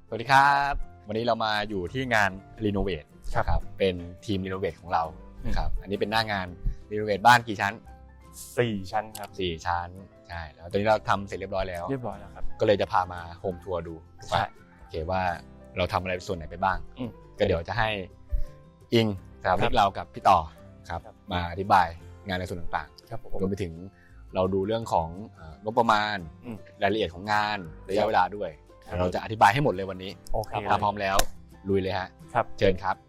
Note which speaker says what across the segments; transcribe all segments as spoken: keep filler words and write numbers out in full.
Speaker 1: สวัสดีครับวันนี้เรามาอยู่ที่งานรีโนเวทครับเป็นทีมรีโนเวทของเราครับอันนี้เป็นหน้างานรีโนเวทบ้านกี่ชั้น
Speaker 2: สี่ชั้นครับ
Speaker 1: สี่ชั้นใช่แล้วตอนนี้เราทำเสร็จเรียบร้อยแล้ว
Speaker 2: เรียบร้อยแล้วครับ
Speaker 1: ก็เลยจะพามาโฮมทัวร์ดู
Speaker 2: ใช่
Speaker 1: โอเคว่าเราทำอะไรส่วนไหนไปบ้าง
Speaker 2: อืม
Speaker 1: ก็เดี๋ยวจะให้อิงสถาปนิกเรากับพี่ต่อครับมาอธิบายงานในส่วนต่าง
Speaker 2: ๆครับผม
Speaker 1: รวมไปถึงเราดูเรื่องของงบประมาณรายละเอียดของงานระยะเวลาด้วยเราจะอธิบายให้หมดเลยวันนี้
Speaker 2: โอเค
Speaker 1: ถ้าพร้อมแล้วลุยเลยฮะ
Speaker 2: ครับ
Speaker 1: เชิญครับ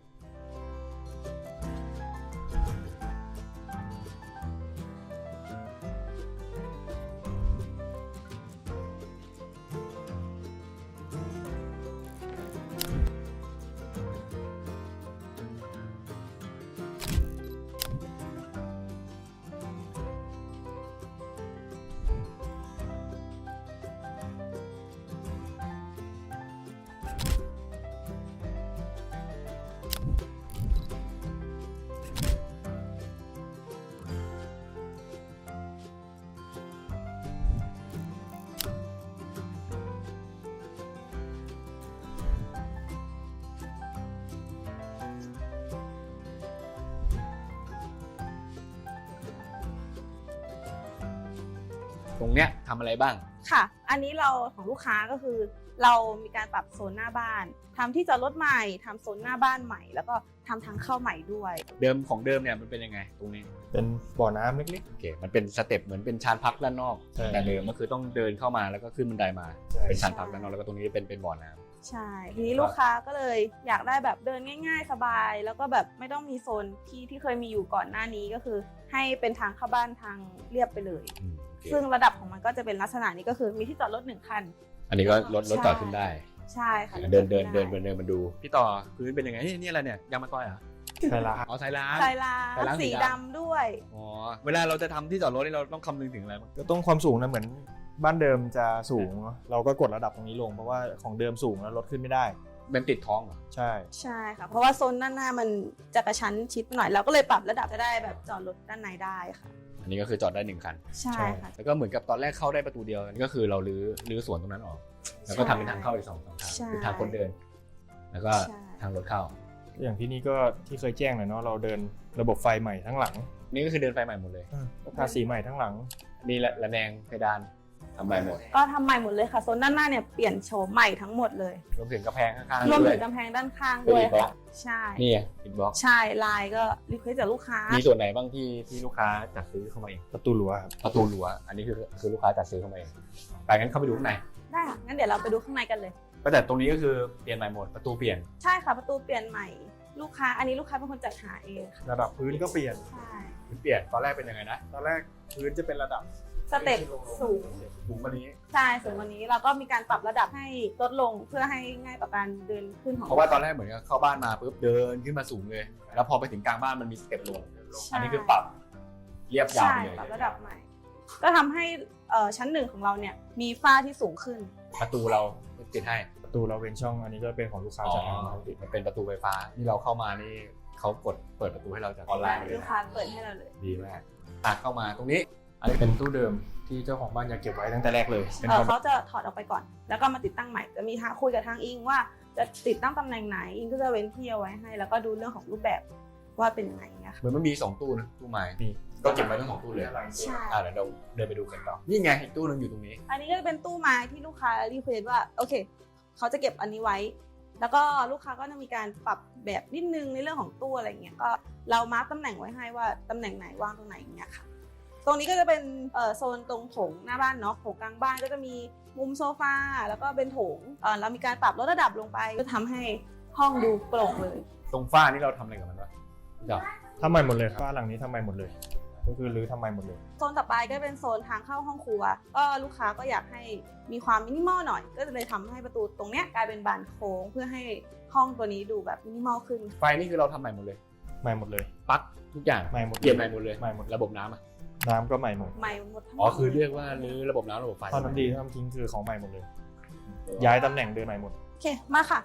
Speaker 1: ตรงเนี้ยทำอะไรบ้าง
Speaker 3: ค่ะอันนี้เราของลูกค้าก็คือเรามีการปรับโซนหน้าบ้านทำที่จอดรถใหม่ทำโซนหน้าบ้านใหม่แล้วก็ทำทางเข้าใหม่ด้วย
Speaker 1: เดิมของเดิมเนี่ยมันเป็นยังไงตรงนี้
Speaker 2: เป็นบ่อน้ำเล็ก
Speaker 1: ๆโอเคมันเป็นสเต็ปเหมือนเป็นชานพักด้านนอกแต่เดิมก็คือต้องเดินเข้ามาแล้วก็ขึ้นบันไดมาเป็นชานพักด้านนอกแล้วก็ตรงนี้เป็นเป็นบ่อน้ำ
Speaker 3: ใช่ทีนี้ลูกค้าก็เลยอยากได้แบบเดินง่ายๆสบายแล้วก็แบบไม่ต้องมีโซนที่ที่เคยมีอยู่ก่อนหน้านี้ก็คือให้เป็นทางเข้าบ้านทางเรียบไปเลยซึ่งระดับของมันก็จะเป็นลักษณะนี้ก็คือมีที่จอดรถหนึ่งคัน
Speaker 1: อันนี้ก็รถรถจอดขึ้นได้
Speaker 3: ใช่ค่ะ
Speaker 1: เดินเดินเดินเดินเดินมาดูพี่ต่อพื้นเป็นยังไงนี่อะไรเนี่ยยางมะตอยเหรอ
Speaker 2: ใช่ละ
Speaker 1: อ๋อสายล้าง
Speaker 3: สายล้างสีดำด้วย
Speaker 1: อ๋อเวลาเราจะทำที่จอดรถนี่เราต้องคำนึงถึงอะไรบ้าง
Speaker 2: ก็ต้องความสูงนะเหมือนบ้านเดิมจะสูงเราก็กดระดับตรงนี้ลงเพราะว่าของเดิมสูงแล้วรถขึ้นไม่ได้
Speaker 1: เป็นติดท้องเหรอ
Speaker 2: ใช่
Speaker 3: ใช่ค่ะเพราะว่าโซนด้านหน้ามันจะกระชั้นชิดหน่อยเราก็เลยปรับระดับจะได้แบบจอดรถด้านในได้ค่ะ
Speaker 1: อันนี้ก็คือจอดได้หนึ่งคัน
Speaker 3: ใช่ค่ะ
Speaker 1: แล้วก็เหมือนกับตอนแรกเข้าได้ประตูเดียวนี่ก็คือเราลื้อลื้อสวนตรงนั้นออกแล้วก็ทำเป็นทางเข้าอีกสองสองทางคือทางคนเดินแล้วก็ทางรถเข้า
Speaker 2: อย่างที่นี่ก็ที่เคยแจ้งเลยเนาะเราเดินระบบไฟใหม่ทั้งหลัง
Speaker 1: นี่ก็คือเดินไฟใหม่หมดเลย
Speaker 2: ทาสีใหม่ทั้งหลัง
Speaker 1: นี่แหละระแนงเพดานทำใหม่หมด
Speaker 3: ก็ทำใหม่หมดเลยค่ะโซนด้านหน้าเนี่ยเปลี่ยนโฉมใหม่ทั้งหมดเลย
Speaker 1: รวมถึงกระแพงข้างๆ
Speaker 3: รวมถึงกำแพงด้านข้างด้วยค่ะใช่
Speaker 1: นี่อินบ็อกซ์
Speaker 3: ใช่ลายก็รีเควสจากลูกค้า
Speaker 1: มีส่วนไหนบ้างที่ที่ลูกค้าจัดซื้อเข้ามาเอง
Speaker 2: ประตูรั้วครับ
Speaker 1: ประตูรั้วอันนี้คือคือลูกค้าจัดซื้อเข้ามาเองไปงั้นเข้าไปดูข้างใน
Speaker 3: ได้ค่ะงั้นเดี๋ยวเราไปดูข้างในกันเลย
Speaker 1: ก็แต่ตรงนี้ก็คือเปลี่ยนใหม่หมดประตูเปลี่ยน
Speaker 3: ใช่ค่ะประตูเปลี่ยนใหม่ลูกค้าอันนี้ลูกค้าเป็นคนจัดหาเองค่ะ
Speaker 2: ระดับพื้นก็เปลี่ยน
Speaker 3: ใช่
Speaker 1: พื้นเปลี่ยนตอนแรกเป็นยังไงนะ
Speaker 2: ตอนแรกพื้นจะเป็นระดับ
Speaker 3: สเต็ปสูง
Speaker 1: สูงกว่านี้
Speaker 3: ใช่สูงกว่านี้เราก็มีการปรับระดับให้ลดลงเพื่อให้ง่ายต่อการเดินขึ้นของ
Speaker 1: เพราะว่าตอนแรกเหมือนกับเข้าบ้านมาปุ๊บเดินขึ้นมาสูงเลยแล้วพอไปถึงกลางบ้านมันมีสเต็ปลงอันนี้คือปรับเรียบยาวเลย
Speaker 3: ปรับระดับใหม่ก็ทำให้ชั้นหนึ่งของเราเนี่ยมีฝ้าที่สูงขึ้น
Speaker 1: ประตูเราติดให้
Speaker 2: ประตูเราเว้นช่องอันนี้ก็เป็นของลูกค้าจาก
Speaker 1: เราติดมันเป็นประตูไฟฟ้าที่เราเข้ามานี่เขากดเปิดประตูให้เราจากออนไลน์เลย
Speaker 3: ลูกค้าเปิดให้เราเลย
Speaker 1: ดีมากอ่ะเข้ามาตรงนี้
Speaker 2: อันนี้เป็นตู้เดิมที่เจ้าของบ้านอยากเก็บไว้ตั้งแต่แรกเลย
Speaker 3: เขาจะถอดออกไปก่อนแล้วก็มาติดตั้งใหม่จะมีทางคุยกับทางอิงว่าจะติดตั้งตำแหน่งไหนอิงก็จะเว้นที่เอาไว้ให้แล้วก็ดูเรื่องของรูปแบบว่าเป็นยังไงนะคะ
Speaker 1: เหมือนมันมีสองตู้นะตู้ไม้ก็เก็บไว้ทั้งสองตู้เลย
Speaker 3: ใช่
Speaker 1: อ่ะเดี๋ยวเราเดินไปดูกันต่อนี่ไงอีกตู้นึงอยู่ตรงนี้
Speaker 3: อันนี้ก็จะเป็นตู้ไม้ที่ลูกค้ารีเควสว่าโอเคเขาจะเก็บอันนี้ไว้แล้วก็ลูกค้าก็จะมีการปรับแบบนิดนึงในเรื่องของตู้อะไรเงี้ยก็เรามาร์คตำแหน่งไว้ให้ว่าตำแหน่งไหนวางตรงไหนอย่างเงี้ยค่ะตรงนี้ก็จะเป็นโซนตรงโถงหน้าบ้านเนาะโถงกลางบ้านก็จะมีมุมโซฟาแล้วก็เป็นโถงเรามีการปรับลดระดับลงไปก็ทำให้ห้องดูโปร่งเลย
Speaker 1: ตรงฝ้านี่เราทำอะไรกับมันวะเดี๋ยว
Speaker 2: ทำใหม่หมดเลยฝ้าหลังนี้ทำใหม่หมดเลยก็คือรื้อทำใหม่หมดเลย
Speaker 3: โซนต่อไปก็เป็นโซนทางเข้าห้องครัวก็ลูกค้าก็อยากให้มีความมินิมอลหน่อยก็เลยทำให้ประตูตรงเนี้ยกลายเป็นบานโค้งเพื่อให้ห้องตัวนี้ดูแบบมินิมอลขึ้น
Speaker 1: ไฟนี่คือเราทำใหม่หมดเลย
Speaker 2: ใหม่หมดเลย
Speaker 1: ปลั๊กทุกอย่าง
Speaker 2: ใหม่หมด
Speaker 1: เปลี่ยนใหม่หมดเลย
Speaker 2: ใหม่หมด
Speaker 1: ระบบน้ำอ่ะ
Speaker 2: น้ำก็ใหม่หมด
Speaker 3: ใหม่หมด
Speaker 1: อ๋อคือเรียกว่ารื้อระบบน้ำระบบไฟ
Speaker 2: ท่อน้ำดีท่อน้ำทิ้งคือของใหม่หมดเลยย้ายตำแหน่งเดินใหม่หมด
Speaker 3: โอเคมาค่ะ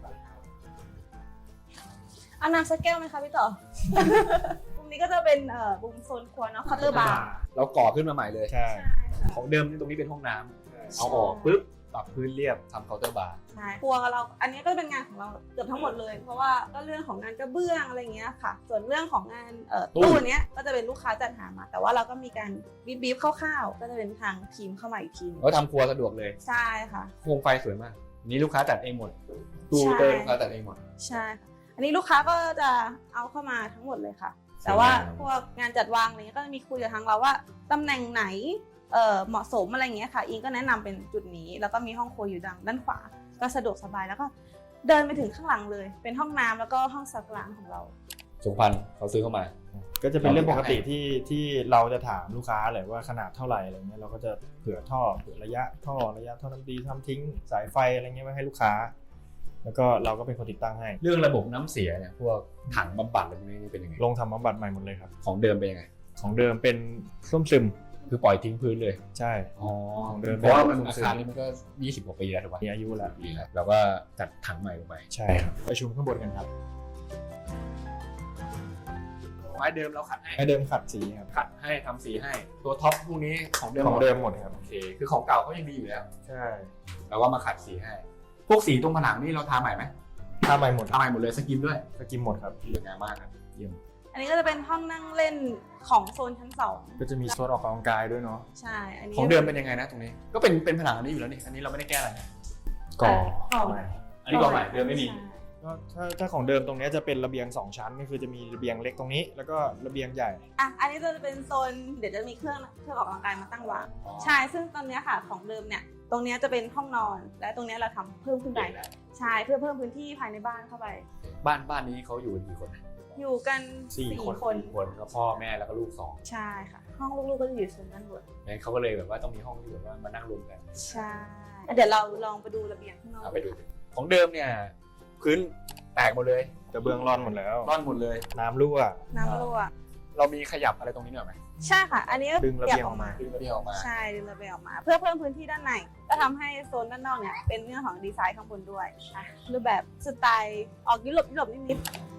Speaker 3: เอาน้ำสักแก้วไหมคะพี่ต่อ มุมนี้ก็จะเป็นเอ่อมุมโซนครัวเนาะเคาน์เตอร์บาร์
Speaker 1: เราก่อขึ้นมาใหม่เลย
Speaker 2: ใช่
Speaker 1: ของเดิมตรงนี้เป็นห้องน้ำเอาออกปุ๊บปรับพื้นเรียบทำเคาน์เตอร์บาร์
Speaker 3: ใช่ครัวเราอันนี้ก็เป็นงานของเราเกือบทั้งหมดเลยเพราะว่าก็เรื่องของงานกระเบื้องอะไรเงี้ยค่ะส่วนเรื่องของงานเอ่อตู้เนี้ยก็จะเป็นลูกค้าจัดหามาแต่ว่าเราก็มีการบีบบีบคร่าวๆก็จะเป็นทางทีมเข้ามาอีกทีนึง
Speaker 1: ก็ทำครัวสะดวกเลย
Speaker 3: ใช่ค่ะ
Speaker 1: โคมไฟสวยมากนี่ลูกค้าจัดเองหมดตู้เตอร์ลูกค้าจัดเองหมด
Speaker 3: ใช่ค่ะอันนี้ลูกค้าก็จะเอาเข้ามาทั้งหมดเลยค่ะแต่ว่าพวกงานจัดวางอะไรเงี้ยก็จะมีคุยกับทางเราว่าตำแหน่งไหนเอ่อเหมาะสมอะไรเงี้ยค่ะอิงก็แนะนำเป็นจุดนี้แล้วก็มีห้องครัวอยู่ดังด้านขวาก็สะดวกสบายแล้วก็เดินไปถึงข้างหลังเลยเป็นห้องน้ำแล้วก็ห้องซักล้างของเรา
Speaker 1: สุขภัณฑ์เขาซื้อเข้ามา
Speaker 2: ก็จะเป็นเรื่องปกติที่ที่เราจะถามลูกค้าแหละว่าขนาดเท่าไหร่อะไรเงี้ยเราก็จะเผื่อท่อเผื่อระยะท่อระยะท่อน้ำดีทำทิ้งสายไฟอะไรเงี้ยไว้ให้ลูกค้าแล้วก็เราก็เป็นคนติดตั้งให้
Speaker 1: เรื่องระบบน้ำเสียเนี่ยพวกถังบำบัดอะไรพวกนี้เป็นยังไง
Speaker 2: ลงทำบำบัดใหม่หมดเลยครับ
Speaker 1: ของเดิมเป็นยังไง
Speaker 2: ของเดิมเป็นส้มซึม
Speaker 1: คือปล่อยทิ้งพื้นเลย
Speaker 2: ใช่
Speaker 1: อ๋อ
Speaker 2: ของเดิม
Speaker 1: เพราะว่าอาคารนี้มันก็ยี่สิบกว่าปีแล้วถูกป่ะ
Speaker 2: มีอายุแล้ว
Speaker 1: ปีแล้วเราก็จัดถังใหม่ลงไป
Speaker 2: ใช่ครับประชุมข้างบนกันครับ
Speaker 1: ไม้เดิมเราขัดให้
Speaker 2: ไม้เดิมขัดสีครับ
Speaker 1: ขัดให้ทำสีให้ตัวท็อปพวกนี้ของเดิม
Speaker 2: ของเดิมหมดครับ
Speaker 1: โอเคคือของเก่าเขายังดีอยู่แล้ว
Speaker 2: ใช่
Speaker 1: เราก็มาขัดสีให้พวกสีตรงผนังนี่เราทาใหม่ไหม
Speaker 2: ทาใหม่หมด
Speaker 1: ทาใหม่หมดเลยสกิมด้วย
Speaker 2: สกิมหมดครับ
Speaker 1: สวยงามมากครับเยี่ยม
Speaker 3: อันนี้ก็จะเป็นห้องนั่งเล่นของโซนชั้นสอง
Speaker 2: ก็จะมีโซนออกกำลังกายด้วยเนาะ
Speaker 3: ใช่อันนี้
Speaker 1: ของเดิมเป็นยังไงนะตรงนี้ก็เป็นเป็นผนังอันนี้อยู่แล้วนี่อันนี้เราไม่ได้แก้อะไรนะ
Speaker 2: ก่อ
Speaker 3: ก่อ
Speaker 1: อันนี้ก่อใหม่เดิมไม่มี
Speaker 2: ก็ถ้าถ้าของเดิมตรงนี้จะเป็นระเบียงสองชั้นก็คือจะมีระเบียงเล็กตรงนี้ แล้วก็ระเบียงใหญ่
Speaker 3: อ่ะอันนี้จะเป็นโซนเดี๋ยวจะมีเครื่องเครื่องออกกำลังกายมาตั้งวางใช่ซึ่งตอนนี้ค่ะของเดิมเนี่ยตรงนี้จะเป็นห้องนอนและตรงนี้เราทำเพิ่มขึ้นไปใช่เพื่อเพิ่มพื้นที่ภายในบ้านเข้าไป
Speaker 1: บ้านบ้านนี้เขาอยู่กันกี่คนนะ
Speaker 3: อยู่กัน
Speaker 2: สี่
Speaker 3: สี่
Speaker 2: คน
Speaker 3: คน
Speaker 1: คนก็พ่อแม่แล้วก็ลูกสอง
Speaker 3: ใช่ค่ะห้องลูกๆก็จะอยู่โซนด้านบน
Speaker 1: งั้นเขาก็เลยแบบว่าต้องมีห้องที่แบบว่ามานั่งรวมกัน
Speaker 3: ใช่เดี๋ยวเราลองไปดูระเบียงข้างนอก
Speaker 1: เอาไปดูของเดิมเนี่ยพื้นแตกหมดเลย
Speaker 2: กระเบื้องร่อนหมดแล้ว
Speaker 1: ร่อนหมดเลย
Speaker 2: น้ำรั่ว
Speaker 3: น้ำรั่ว
Speaker 1: เรามีขยับอะไรตรงนี้หน่อยไหม
Speaker 3: ใช่ค่ะ อันนี้ก็
Speaker 2: ดึงระเบียงออกมา
Speaker 1: ดึงระเบียงออกมา
Speaker 3: ใช่ดึงระเบียงออกมา เพื่อเพิ่มพื้นที่ด้านในก็ทำให้โซนด้านนอกเนี่ยเป็นเรื่องของดีไซน์ข้างบนด้วยอ่ะรูปแบบสไตล์ออกยุโรปยุโรปนิด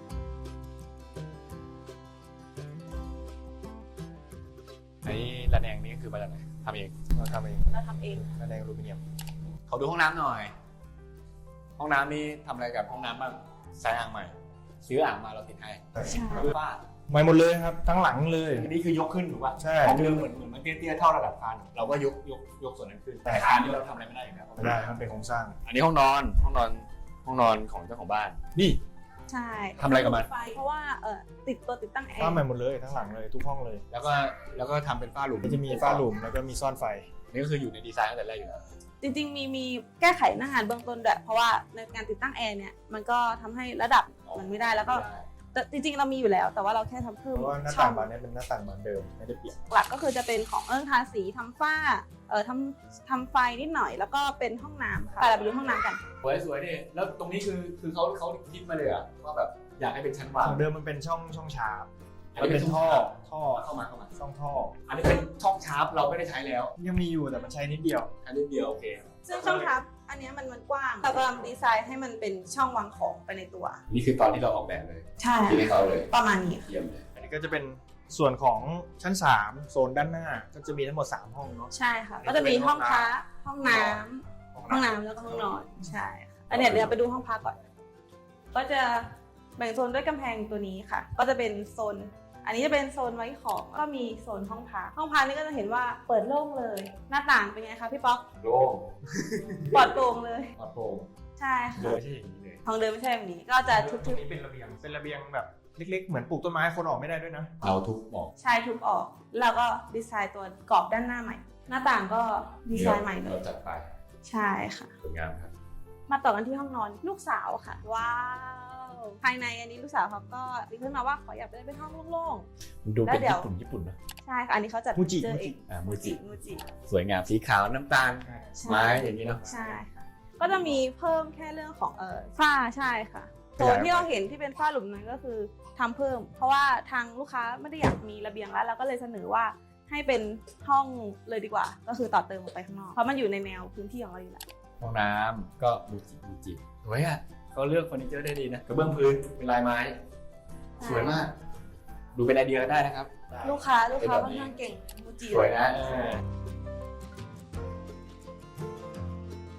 Speaker 1: ไอ้ระแนงนี้คือมาจากไหนทำเอง
Speaker 2: เราทำเอง
Speaker 3: ๆเราทำเอง
Speaker 2: ระแนงอลูมิเนียม
Speaker 1: เขาดูห้องน้ำหน่อย ห้องน้ำนี่ทำอะไรกับห้องน้ำบ้างใช้อ่างใหม่ซื้ออ่างมาเราติดให้
Speaker 3: ใช่
Speaker 1: ฝ้า
Speaker 2: ใหม่หมดเลยครับ ทั้งหลังเลย
Speaker 1: อันนี้คือยกขึ้นถูกป่ะ
Speaker 2: ใช่
Speaker 1: ของเดิมเหมือนเหมือนมันเตี้ยๆเท่าระดับคานเราก็ยกยกยกส่วนนั้นขึ้นแต่คานนี่เราทำอะไรไม่ได้อยู่แล้ว
Speaker 2: ไม่ได้ครับเป็นโครงสร้าง
Speaker 1: อันนี้ห้องนอนห้องนอนห้องนอนของเจ้าของบ้านนี่
Speaker 3: ใช่
Speaker 1: ทำอะไรกับมัน
Speaker 3: ไฟเพราะว่าเออติดตัวติดตั้งแอ
Speaker 2: ฝ้า
Speaker 3: ร์
Speaker 2: ใหม่หมดเลยทั้งหลังเลยทุกห้องเลย
Speaker 1: แล้วก็แล้วก็ทำเป็นฝ้าหลุม
Speaker 2: ก็จะมีฝ้าหลุมแล้วก็มีซ่อนไฟ
Speaker 1: นี่ก็คืออยู่ในดีไซน์ตั้งแต่แรกอยู่แล้ว
Speaker 3: จริงๆมีมีแก้ไขหน้างานเบื้องต้นด้วยเพราะว่าในการติดตั้งแอร์เนี่ยมันก็ทำให้ระดับมันไม่ได้แล้วก็แต่จริงๆเรามีอยู่แล้ว แต่ว่าเราแค่ทำเพิ่ม
Speaker 2: เพราะว่าหน้า
Speaker 3: ช่
Speaker 2: ต่า
Speaker 3: อง ง
Speaker 2: บานนี้เป็นหน้าต่างบานเดิมไม่ได้เปลี่ยน
Speaker 3: หลักก็คือจะเป็นของเอิ้งทาสีทำฝ้าเอ่อทำทำไฟนิดหน่อยแล้วก็เป็นห้องน้ำค่ะแต่เราไปดูห้องน้ำกัน
Speaker 1: สวยสวยดิแล้วตรงนี้คือคือเขาเขาคิดมาเลยอะว่าแบบอยากให้เป็นชั้นวาง
Speaker 2: ของเดิมมันเป็นช่องช่องชาร์ป
Speaker 1: อัน
Speaker 2: มัน
Speaker 1: นี้เป็
Speaker 2: เป็น น
Speaker 1: ท่
Speaker 2: ท่
Speaker 1: อ
Speaker 2: อท่อ
Speaker 1: เข้ามาเข้ามา
Speaker 2: ช่องท่อ
Speaker 1: อันนี้เป็นช่องชาร์ปเราไม่ได้ใช้แล้ว
Speaker 2: ยังมีอยู่แต่มันใช้นิดเดียว
Speaker 1: อันนี้เดียวโอเค
Speaker 3: ซึ่งช่องทับอันเนี้ยมันมันกว้างเรากำลังดีไซน์ให้มันเป็นช่องวางของไปในตัว
Speaker 1: นี่คือตอนที่เราออกแบบเลย
Speaker 3: ใช่
Speaker 1: ที่ให้เขาเลย
Speaker 3: ประมาณนี้
Speaker 1: เยี่ยมเลย
Speaker 2: อันนี้ก็จะเป็นส่วนของชั้นสามโซนด้านหน้าก็จะมีทั้งหมดสามห้องเนาะ
Speaker 3: ใช่ค่ะก็จะมีห้องพักห้องน้ำห้องน้ำแล้วก็ห้องนอนใช่ค่ะอันเนี้ยเดี๋ยวไปดูห้องพักก่อนก็จะแบ่งโซนด้วยกำแพงตัวนี้ค่ะ ก็จะเป็นโซนอันนี้จะเป็นโซนไว้ของก็มีโซนห้องพักห้องพักนี่ก็จะเห็นว่าเปิดโล่งเลย หน้าต่างเป็นไงคะพี่ป๊อก
Speaker 1: โล่ง
Speaker 3: ปลอดโปร่งเลย
Speaker 1: ปลอดโปร่ง
Speaker 3: ใช่
Speaker 1: โด
Speaker 3: ค่ะ
Speaker 1: ยที่อย่างนี้เลย
Speaker 3: ห้องเดิมไม่ใช่แบบนี้ก็จะ
Speaker 2: ต
Speaker 3: ทุ
Speaker 2: รง
Speaker 3: บ
Speaker 2: นี้เป็นระเบียงเป็นระเบียงแบบเล็กๆเหมือนปลูกต้นไม้คนออกไม่ได้ด้วยนะ
Speaker 1: เราทุบบอก
Speaker 3: ๆใช่ทุบออกแล้วก็ดีไซน์ตัวกรอบด้านหน้าใหม่ หน้าต่างก็ดีไซน์ใหม่เล
Speaker 1: เรา
Speaker 3: ย
Speaker 1: จัดไป
Speaker 3: ใช่ค่ะ
Speaker 1: สวยงามครับ
Speaker 3: มาต่อกันที่ห้องนอนลูกสาวค่ะ ว้าวภายในอันนี้ลูกสาวเขาก็รีเควสต์มาว่าขออยากได้เป็นห้องโล่ง
Speaker 1: ดู
Speaker 3: แล้
Speaker 1: เป็
Speaker 3: วน เดี๋ยว
Speaker 1: ญี่ปุ่นญี่ปุ่นนะ
Speaker 3: ๆใช่ค่ะอันนี้เขาจัด
Speaker 2: มูจิ
Speaker 3: เจอ
Speaker 2: มูจิ
Speaker 3: เอง
Speaker 1: อ่ามูจิ
Speaker 3: มูจิ
Speaker 1: สวยงามสีขาวน้ำตาล
Speaker 3: ใช่
Speaker 1: ไม้อย่างนี้เนาะ
Speaker 3: ใช่ค่ะก็จะมีเพิ่มแค่เรื่องของเออฝ้าใช่ค่ะ
Speaker 2: ข
Speaker 3: โซ
Speaker 2: ยาย
Speaker 3: น
Speaker 2: ออกไป
Speaker 3: ที่เราเห็นที่เป็นฝ้าหลุมนั้นก็คือทำเพิ่ม เพราะว่าทางลูกค้าไม่ได้อยากมีระเบียงแล้วเราก็เลยเสนอว่าให้เป็นห้องเลยดีกว่า ก็คือต่อเติมออกไปข้างนอกเพราะมันอยู่ในแนวพื้นที่ของเราอยู่แล้ว
Speaker 1: ห้องน้ำก็มูจิมูจิสวยอ่ะเขาเลือกเฟอร์นิเจอร์ได้ดีนะกระเบื้องพื้นเป็นลายไม้ สวยมาก ดูเป็นไอเดียได้นะครับ
Speaker 3: ลูกค้าลูกค้า
Speaker 1: เป็นแบบ
Speaker 3: ค่อน
Speaker 1: นี้
Speaker 3: ข้างเก่งมูจิ
Speaker 1: สวยนะเออ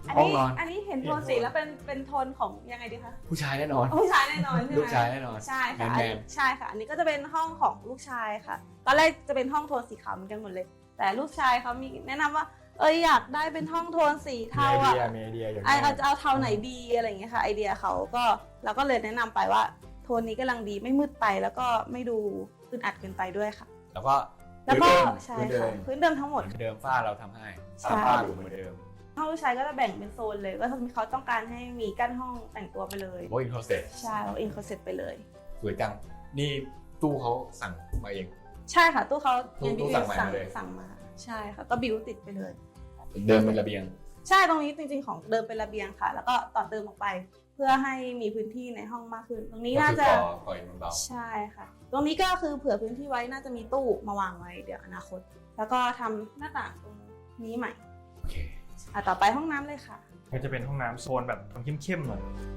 Speaker 3: อัน
Speaker 1: ห้อง
Speaker 3: นี้
Speaker 1: นอน
Speaker 3: อันนี้เห็นโทนสีแล้วเป็นเป็นโทนของยังไงดีคะ
Speaker 1: ผู้ชายแน่นอน
Speaker 3: ผู้ชายแน่นอนใช่ไหม
Speaker 1: ลูกชายแน่นอน
Speaker 3: ใช่ค่ะ
Speaker 1: แมน
Speaker 3: ใช่ค่ะ อันนี้ก็จะเป็นห้องของลูกชายค่ะ ตอนแรกจะเป็นห้องโทนสีขาวเหมือนกันหมดเลย แต่ลูกชายเขามีแนะนำว่า เอยอยากได้เป็นห้องโทนสี
Speaker 2: มี
Speaker 3: เทา
Speaker 2: ไอเดี
Speaker 3: อ่ะ
Speaker 2: ยมีไอเดียอย่าง
Speaker 3: ไอ
Speaker 2: นี้
Speaker 3: อาจจะเอาเทาไหนดีอะไรอย่างเงี้ยค่ะ ไอเดียเขาก็เราก็เลยแนะนำไปว่าโทนนี้กำลังดีไม่มืดไปแล้วก็ไม่ดูอึดอัดเกินไปด้วยค่ะ
Speaker 1: แล้วก็
Speaker 3: แล้วก็
Speaker 1: พื้นเดิม
Speaker 3: ใช่
Speaker 1: พื้นเดิ
Speaker 3: ค่ะ
Speaker 1: ม
Speaker 3: พื้นเดิมทั้งหมด
Speaker 1: เหมือนเดิมฝ้าเราทำให้
Speaker 3: ใช่
Speaker 1: ตามฝ้าอยู่เหมือนเดิม
Speaker 3: ห้องลูกชายก็จะแบ่งเป็นโซนเลยก็คือเขาต้องการให้มีกั้นห้องแต่งตัวไปเลย
Speaker 1: โอ้ยโคเซ็ต
Speaker 3: ใช่เราเองเขาเสร็จไปเลย
Speaker 1: สวยจังนี่ตู้เขาสั่งมาเอง
Speaker 3: ใช่ค่ะตู้เขา
Speaker 1: ตู้
Speaker 3: ยัง
Speaker 1: ตู้
Speaker 3: ดี
Speaker 1: สั่งมา
Speaker 3: สั่ง
Speaker 1: เลย
Speaker 3: สั่งมาใช่ค่ะก็บิวติดไปเลย
Speaker 1: เดิมเป็นระเบียง
Speaker 3: ใช่ตรงนี้จริงๆของเดิมเป็นระเบียงค่ะ แล้วก็ต่อเติมออกไป เพื่อให้มีพื้นที่ในห้องมากขึ้น ตรงนี้
Speaker 1: ก็
Speaker 3: น่า
Speaker 1: คือ
Speaker 3: จะ
Speaker 1: ก่อก่ออิฐมันเบา
Speaker 3: ใช่ค่ะ ตรงนี้ก็คือเผื่อพื้นที่ไว้น่าจะมีตู้มาวางไว้เดี๋ยวอนาคต แล้วก็ทำหน้าต่างตรงนี้ใหม่
Speaker 1: โอเค
Speaker 3: อ่ะต่อไปห้องน้ำเลยค่ะ
Speaker 2: ก็จะเป็นห้องน้ำโซนแบบเข้มๆหน่อย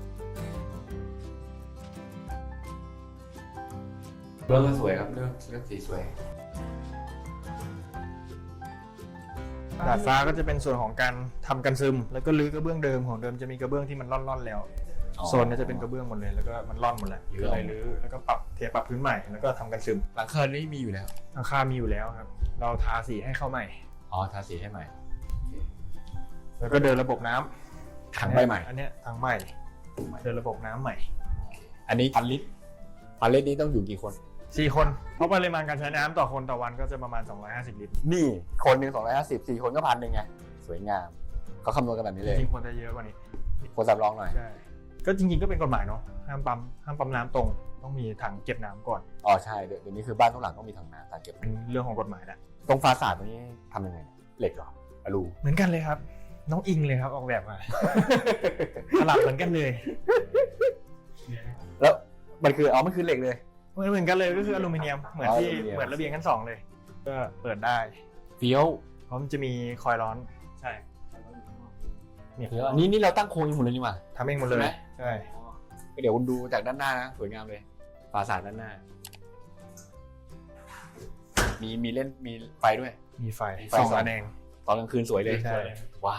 Speaker 1: เรื่องก็สวยครับเรื่องเรื่องสีสวย
Speaker 2: ดาดฟ้าก็จะเป็นส่วนของการทำกันซึม แล้วก็รื้อกระเบื้องเดิมของเดิมจะมีกระเบื้องที่มันร่อนๆแล้ว
Speaker 1: อ๋อ
Speaker 2: โซนนี้จะเป็นกระเบื้องหมดเลยแล้วก็มันร่อนหมดแล้ว
Speaker 1: รื้
Speaker 2: ก็
Speaker 1: อ
Speaker 2: เลยรื้อแล้วก็ปรับเทปรับพื้นใหม่แล้วก็ทำกันซึม
Speaker 1: หลังคานี่มีอยู่แล้ว
Speaker 2: หลังคามีอยู่แล้วครับ เราทาสีให้เข้าใหม่
Speaker 1: อ๋อทาสีให้ใหม่
Speaker 2: แล้วก็เดินระบบน้ำ
Speaker 1: ถังใบใหม่
Speaker 2: อันเนี้ยถังใหม่เดินระบบน้ำใหม่
Speaker 1: อันนี้พันลิตรพันลิตรนี้ต้องอยู่กี่คน
Speaker 2: สี่คนเพราะปริมาณการใช้น้ำต่อคนต่อวันก็จะประมาณสองร้อยห้าสิบลิตร
Speaker 1: นี่คนหนึ่งสองร้อยห้าสิบสี่คนก็พันหนึ่งไงสวยงามเขาคำนวณกันแบบนี้
Speaker 2: จ
Speaker 1: เลย
Speaker 2: ริงๆควรจะเยอะกว่านี้
Speaker 1: คนสำรองหน่อย
Speaker 2: ใช่ก็จริงๆก็เป็นกฎหมายเนาะห้ามปั๊มห้ามปั๊มน้ำตรงต้องมีถังเก็บน้ำก่อน
Speaker 1: อ๋อใช่เดี๋ยวนี้คือบ้านทุกหลังต้องมีถังน้ำถังเก็บ
Speaker 2: เป็นเรื่องของกฎหมายแหละ
Speaker 1: ตรงฟาสาดตรงนี้ทำยังไงเหล็กเหรออลู
Speaker 2: เหมือนกันเลยครับ น้องอิงเลยครับออกแบบมา สลับเหมือนกันเลย
Speaker 1: แล้วมันคืออ๋อมันคือเหล็กเลย
Speaker 2: เหมือนเหมือนกันเลยก็คืออลูมิเนียมเหมือนที่
Speaker 1: อลูมิเนียม
Speaker 2: เหมือนระเบียงชั้นสองเลย ก็เปิดได้
Speaker 1: เฟี้ยว
Speaker 2: เพราะมันจะมีคอยล์ร้อนใช่เนี่ย
Speaker 1: เฟี้ยวอันนี้นี่เราตั้งโครงเองหมดเลยนี่หว่า
Speaker 2: ทำเองหมดเลย
Speaker 1: ใช่ไหม
Speaker 2: ใช่
Speaker 1: เดี๋ยวคุณดูจากด้านหน้านะสวยงามเลยฟาสาดด้านหน้า มีมีเล่นมีไฟด้วย
Speaker 2: มีไฟ
Speaker 1: มีไฟ
Speaker 2: ส่อง
Speaker 1: ส่อง
Speaker 2: ระแนง
Speaker 1: ตอนกลางคืนสวยเลย
Speaker 2: ใช่
Speaker 1: ว้าว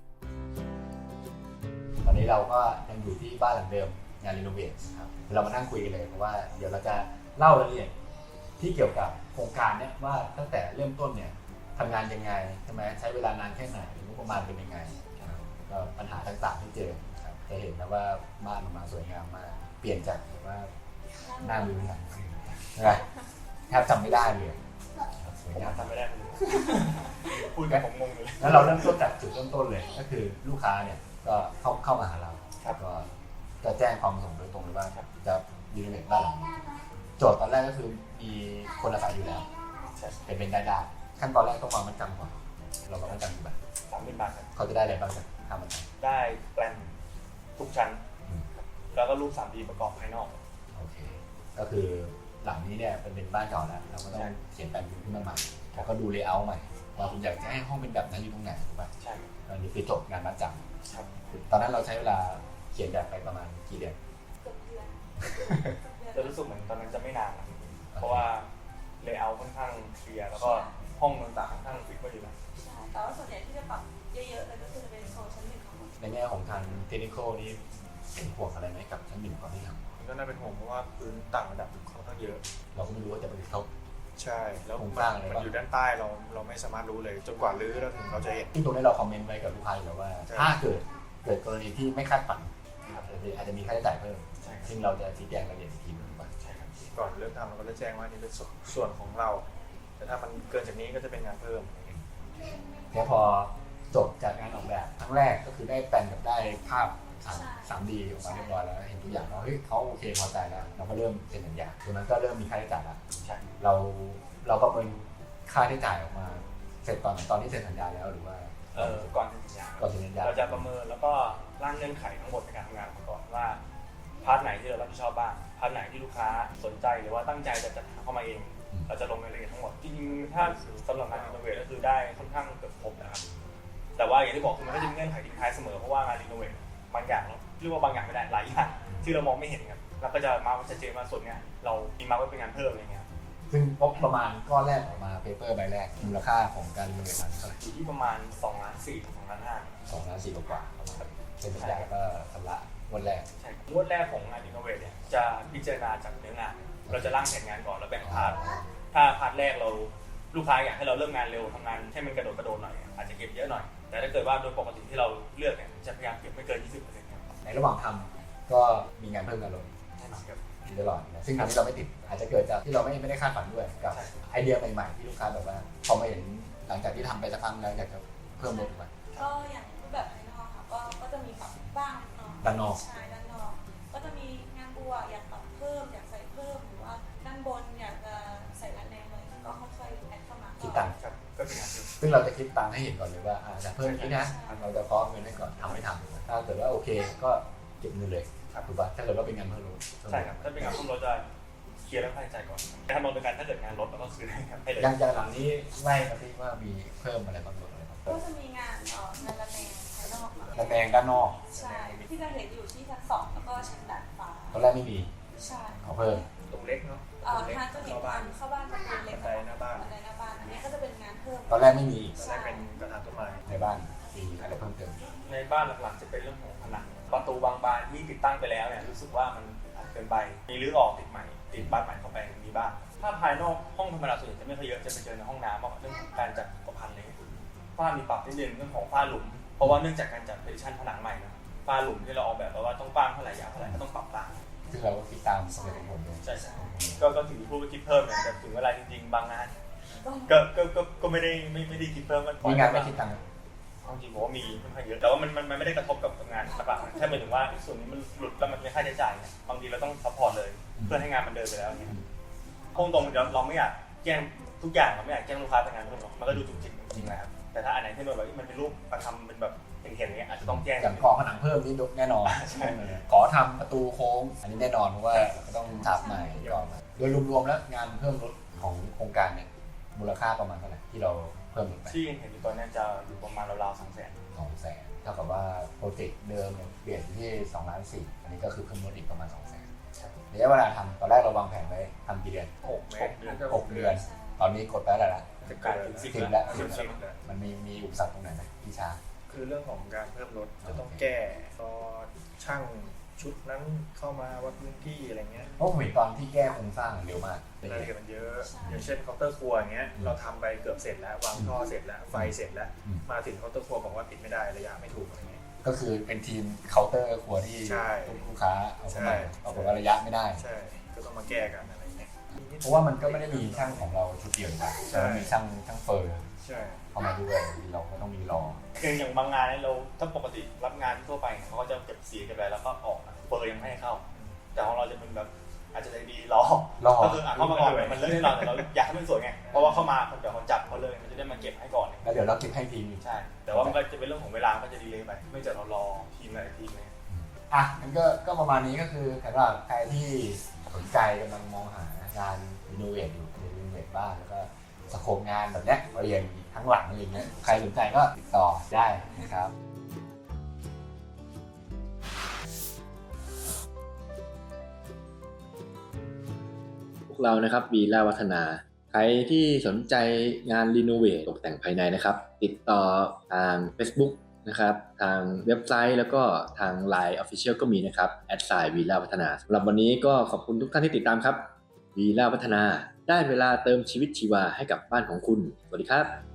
Speaker 1: ตอนนี้เราก็ยังอยู่ที่บ้านหลังเดิมงานรีโนเวทครับเรามานั่งคุยกันเลยเพราะว่าเดี๋ยวเราจะเล่ารายละเอียดที่เกี่ยวกับโครงการเนี่ยว่าตั้งแต่เริ่มต้นเนี่ยทำงานยังไงใช่ไหมใช้เวลานานแค่ไหนงบประมาณเป็นยังไงครับก็ปัญหาต่างๆที่เจอครับจะเห็นนะว่าบ้านออกมาสวยงามมากเปลี่ยนจากแบบว่าหน้ามือหลังมือใช่ไหมแทบจำไม่ได้เลยครับสวยงาม
Speaker 2: ทำไม่ได้เลยพูดกับผมงงเลย
Speaker 1: แล้วเราเริ่มต้นจากจุดเริ่มต้นเลยก็คือลูกค้าเนี่ยก็เข้าเข้ามาหาเราก็จะแจ้งความประสงค์โดยตรงเลยว่าจะรีโนเวทบ้านหลังนี้โจทย์ตอนแรกก็คือมีคนอาศัยอยู่แล้วเป็นเป็นได้ได้ขั้นตอนแรกต้องวางมัดจำก่อนเราวางมัดจำกี่บาท
Speaker 2: สามหมื่นบาทครับ
Speaker 1: เขาจะได้อะไรบ้างจากค่ามัดจ
Speaker 2: ได้แปลนทุกชั้น
Speaker 1: ำอืม
Speaker 2: แล้วก็รูป สามดี ประกอบภายนอก
Speaker 1: โอเคก็คือหลังนี้เนี่ยเป็นเป็นบ้านเก่าแล้วเราก็ต้องเขียนแปลนขึ้นมาใหม่แล้วก็ดูเลเยอร์ใหม่ว่าคุณอยากจะให้ห้องเป็นแบบนั้นอยู่ตรงไหนถูกป่ะ
Speaker 2: ใช่
Speaker 1: อันนี้คือจบงานมัดจำ
Speaker 2: ครับ
Speaker 1: ตอนนั้นเราใช้เวลาเขียนแบบไปประมาณกี่เดือน
Speaker 2: จะรู้สึกเหมือนตอนนั้นจะไม่นานนะเพราะว่าเลเยอร์ค่อนข้างเคลียร์แล้วก็ห้องต่างๆค่อนข้างฟิกไว้อยู่แล้ว
Speaker 3: ใช่แต่ว่าส่วนใหญ่ที่จะปรับเยอะๆเลยก็คือจะเป็นโซนชั้นหนึ่งของหมด
Speaker 1: ในแง่ของทางเทคนิคนี่เป็นห่วงอะไรไหมกับชั้นหนึ่งก่อนที่ท
Speaker 2: มันก็น่าเป็นห่วงเพราะว่าพื้นต่างระดับค่อนข้างเยอะ
Speaker 1: ำเราก็ไม่รู้ว่าจะไปเขา
Speaker 2: ใช่ แล้ว
Speaker 1: โครงสร้างอะไร
Speaker 2: มัน
Speaker 1: บ้าง
Speaker 2: อยู่ด้านใต้เราเราไม่สามารถรู้เลย จนกว่ารื้อแล้วถึงเราจะเห็น
Speaker 1: ที่ตรงนี้เราคอมเมนต์ไว้กับลูกค้าอยู่แล้วว่า
Speaker 2: ใช่
Speaker 1: ถ้าเกิดเกิดกรณีที่ไม่คาดฝันอาจจะมีค่าใช้จ่ายเพิ่ม
Speaker 2: ใช่ครับ
Speaker 1: ซึ่งเราจะชี้แจงรายละเอียดอีกทีหนึงว่า
Speaker 2: ใช่ครับก่อนเริ่มทำเราก็จะแจ้งว่านี่เป็นส่วนส่วนของเรา แต่ถ้ามันเกินจากนี้ก็จะเป็นงานเพิ่ม
Speaker 1: แล้วพอจบจากงานออกแบบครั้งแรกก็คือได้แปลนกับได้ภาพสามดีออกมาเรียบร้อยแล้วเห็นทุกอย่างแล้วเฮ้ยเขาโอเคพอใจแล้วเราก็เริ่มเซ็นสัญญาตรงนั้นก็เริ่มมีค่าใช้จ่ายแล้ว
Speaker 2: ใช่
Speaker 1: เราเราประเมินค่าใช้จ่ายออกมาเสร็จตอนตอนที่เซ็นสัญญาแล้วหรือว่า
Speaker 2: เออก่อนเซ็นสัญญา
Speaker 1: ก่อนเซ็นสัญญา
Speaker 2: เราจะประเมินแล้วก็ร่างเงื่อนไขทั้งหมดในการทำงานมาก่อนว่าพาร์ทไหนที่เรารับผิดชอบบ้างพาร์ทไหนที่ลูกค้าสนใจหรือว่าตั้งใจจะจัดหาเข้ามาเอง เราจะลงรายละเอียดทั้งหมดจริงๆถ้าสำหรับงานรีโนเวทก็คือได้ค่อนข้างเกือบครบนะครับแต่ว่าอย่างที่บอกคือมันก็จะมีเงื่อนไขทิ้งท้ายเสมอเพราะว่างานรีโนเวทบางอย่างเราเรียกว่าบางอย่างไม่ได้หลายอย่างที่เรามองไม่เห็นครับเราก็จะมาร์คชัดเจนว่าส่วนเนี้ยเรามีมาร์คไว้เป็นงานเพิ่มอะไรเงี้ย
Speaker 1: ซึ่งงบประมาณก้อนแรกออกมาเปเปอร์ใบแรกมูลค่าของการรีโนเวทนั้นเท่าไหร่
Speaker 2: อยู่ที่ประมาณสองล้านสี่ถึงสองล้านห้า
Speaker 1: สองล้านสี่กว่าๆประมาณซ็นสัญญาก็ชำระงวดแรก
Speaker 4: ใช่ครับงวดแรกของงานอินโนเวทเนี่ยจะพิจารณาจากเนื้องาน เราจะร่างแผนงานก่อนแล้วแบ่งพาร์ทถ้าพาร์ทแรกเราลูกค้าอยากให้เราเริ่มงานเร็วทำงานให้มันกระโดดกระโดดหน่อยอาจจะเก็บเยอะหน่อยแต่ถ้าเกิดว่าโดยปกติที่เราเลือกเนี่ยจะพยายามเก็บไม่เกิน ยี่สิบเปอร์เซ็นต์ ครับ
Speaker 1: ในระหว่างทำก็มีงานเพิ่มงานลด
Speaker 4: แน่นอนครับ
Speaker 1: ตลอดนะซึ่งทำให้เราไม่ติดอาจจะเกิดจากที่เราไม่ไม่ได้คาดฝันด้วยกับ
Speaker 4: ใช่
Speaker 1: ไอเดียใหม่ๆที่ลูกค้าแบบว่าพอมาเห็นหลังจากที่ทำไปสักพักแล้วอยากจะเพิ่มลดมา
Speaker 3: ก็อย่างรูปแบบภายนอกค่ะก็ก็จะมีปรับบ้างนิดหน่อย
Speaker 1: ด้านนอก
Speaker 3: ใช่ด้านนอกก็จะมีงานบัวอยากปรับเพิ่มอยากใส่เพิ่มหรือว่าด้านบนอยากจะใส่ระแนงเลยก็ค่อยๆแอดเข้ามา
Speaker 1: คิดตังค์
Speaker 4: ครับก็เป็นงานที่
Speaker 1: ซึ่งเราจะคิดตังค์ให้เห็นก่อนเลยว่าอ่าจะเพิ่มนี้นะเราจะพร้อมเงินให้ก่อนทำไม่ทำถ้าเกิดว่าโอเคก็เก็บเงินเลยถูกป่ะถ้าเกิดว่าเป็นงานเพิ่มลด
Speaker 4: ใช่ครับถ้าเป็นงานเพิ่มลดจะเคลียร์เรื่องค่าใช้จ่ายก่อนถ้ามองเป็นการถ้าเกิดงานลดเราก็คืนให้ครับให้เลย
Speaker 1: ยังยังหลังนี้ไล่มาที่ว่ามีเพิ่มอะไรบางส่วนอะไรบ้าง
Speaker 3: ก็จะมีงานเอ่องานระแนงภายนอกเนอะ
Speaker 1: ระแนงด้านนอก
Speaker 3: ใช่ที่จะเห็นอยู่ที่ชั้นสองแล้วก็ชั้นดาดฟ้า
Speaker 1: ตอนแรกไม่มี
Speaker 3: ใช่
Speaker 1: เอาเพิ่ม
Speaker 4: ตรงเล็กเนาะ
Speaker 3: เอ่อทางจะเห็นทางเข้าบ้านประตูเล็ก
Speaker 4: บันไดหน้าบ้าน
Speaker 3: บันไดหน้าบ้านอันนี้ก็จะเป็นงานเพิ่ม
Speaker 1: ตอนแรกไม่มี
Speaker 4: ตอนแรกเป็นกระถางต้นไม้
Speaker 1: ในบ้านมีอะไรเพิ่มเติม
Speaker 4: ในบ้านหลักๆจะเป็นเรื่องของผนังประตูบางบานที่ติดตั้งไปแล้วเนี่ยรู้สึกว่ามันอาจเกินไปมีรื้อออกติดใหม่ติดบ้านใหม่เข้าไปมีบ้างถ้าภายนอกห้องธรรมดาส่วนใหญ่จะไม่ค่อยเยอะจะไปเจอในห้องน้ำมากกว่าเรื่องของการจัดอุปกรณ์อะไรเงี้ยฝ้ามีปรับนิดนึงเรื่องของฝ้าหลุมเพราะว่าเนื่องจากการจัดเพดิชั่นผนังใหม่นะฝ้าหลุมที่เราออกแบบไว้ว่าต้องกว้างเท่าไหร่ยาวเท่าไหร่ก็ต้องปรับตาม
Speaker 1: ซึ่งเราก็คิดตามสเปคของผมเลย
Speaker 4: ใช่ใช่ก็ก็ถือผู้ไปคิดเพิ่มเนี่ยแต่ถึงเวลาจริงๆบางงานก็ก็ก็ก็ไม่ได้ไม่ไม่ได้คิดเพิ่มมัน
Speaker 1: มีงานไม่คิดตังค์
Speaker 4: จริงๆผมว่ามีค่อนข้างเยอะแต่ว่ามันมันมันไม่ได้กระทบกับงานหลักๆแค่หมายถึงว่าส่วนนี้มันหลุดแล้วมันไม่ค่าใช้จ่ายเนี่ยบางทีเราต้องซัพพอร์ตเลยเพื่อให้งานมันเดินไปแล้วเนี่ยคงตรงๆเราเราไม่อยากแจ้งทุกอย่างเราไม่อยากแจ้งลูกค้าแต่งานเพิ่มหรอกมันก็ดูจุกจิกจริงๆนะครับแต่ถ้าอันไหนที่มันแบบมันเป็นรูปประทำเป็นแบบเห็นๆอย่างเงี้ยอาจจะต้องแจ้ง
Speaker 1: อย่างขอผนังเพิ่มนี่แน่นอน
Speaker 4: ใช่
Speaker 1: ขอทำประตูโค้ง อันนี้แน่นอนเพราะว่าต้องฉาบใหม่ก่อนโดยรวมๆแล้วงานเพิ่มลดของโครงการเนี่ยมูลค่าประมาณเท่าไหร่ที่เราเพิ่มลดไป
Speaker 4: ที่เห็นอยู่ตอนนี้จะอยู่ประมาณราวๆสองแสน
Speaker 1: สองแสนเท่ากับว่าโปรเจกต์เดิมเนี่ยเปลี่ยนที่สองล้านสี่อันนี้ก็คือเพิ่มลดอีกประมาณสองแสนระยะเวลาทำตอนแรกเราวางแผนไว้ทำกี่เดือน
Speaker 4: หกเดือน
Speaker 1: หกเดือน ตอนนี้กดไปแล้วล่ะ
Speaker 4: จะกลายเป็นสิบ
Speaker 1: สิบ
Speaker 4: แล้
Speaker 1: แล้ว ว
Speaker 4: สิบแล้ว
Speaker 1: มันมีมีอุปสรรคตรงไหนไหมที่ช้า
Speaker 2: คือเรื่องของการเพิ่มรถจะต้องแก้ตอช่างชุดนั้นเข้ามาวัดพื้นที่อะไรเงี้ย
Speaker 1: เพราะผมเห็นตอนที่แก้โครงสร้างเร็วมาก
Speaker 2: รายละเอียดมันเยอะอย่างเช่นเคาน์เตอร์ครัวอย่างเงี้ยเราทำไปเกือบเสร็จแล้ววางท่อเสร็จแล้วไฟเสร็จแล้วมาถึงเคาน์เตอร์ครัวบอกว่าปิดไม่ได้ระยะไม่ถูกอะไรเงี้ย
Speaker 1: ก็คือเป็นทีมเคาน์เตอร์ครัวที่
Speaker 2: ใช่
Speaker 1: ลูกค้าเอาเข้ามา
Speaker 2: ใช่
Speaker 1: เอาบอกว่าระยะไม่ได้
Speaker 2: ใช่ก็ต้องมาแก้กันอะไรเงี้ย
Speaker 1: เพราะว่ามันก็ไม่ได้มีช่างของเราชุดเดียวนะ
Speaker 2: ใช่
Speaker 1: แต่ว่ามีช่างช่างเฟอร์
Speaker 2: ใช่
Speaker 1: เข้ามาด้วยเราก็ต้องมีรอ
Speaker 4: คืออย่างบางงานเนี่ยเราถ้าปกติรับงานทั่วไปเนี่ยเขาก็จะเก็บสีเก็บอะไรแล้วก็ออกนะเบอร์ยังไม่ให้เข้า แต่ของเราจะเป็นแบบอาจจะใจดีรอ
Speaker 1: รอ
Speaker 4: ก็คืออ่ะเข้ามาก่อนเนี่ยมันเลิกแน่นอนแต่เราอยากให้มันสวยไงเพราะว่าเข้ามาคนเดี๋ยวเขาจับเขาเลยมันจะได้มาเก็บให้ก่อน
Speaker 1: แล้วเดี๋ยวเราเก็บให้ทีม
Speaker 4: ใช่แต่ว่ามันก็จะเป็นเรื่องของเวลาก็จะดีเลยไปไม่จากเรารอทีมหลายทีมเลย
Speaker 1: อ่ะมันก็ก็ประมาณนี้ก็คือสำหรับใครที่สนใจกำลังมองหางานรีโนเวทอยู่รีโนเวทบ้านแล้วก็สโคปงานแบบเนี้ยเรียนทั้งหลังอะไรเงี้ยใครสนใจก็ติดต่อได้นะครับพวกเรานะครับวีล่าวัฒนาใครที่สนใจงานรีโนเวทตกแต่งภายในนะครับ ติดต่อทาง Facebook นะครับทางเว็บไซต์แล้วก็ทาง ไลน์ Official ก็มีนะครับแอดไซน์วีล่าวัฒนาสำหรับวันนี้ก็ขอบคุณทุกท่านที่ติดตามครับวีล่าวัฒนาได้เวลาเติมชีวิตชีวาให้กับบ้านของคุณสวัสดีครับ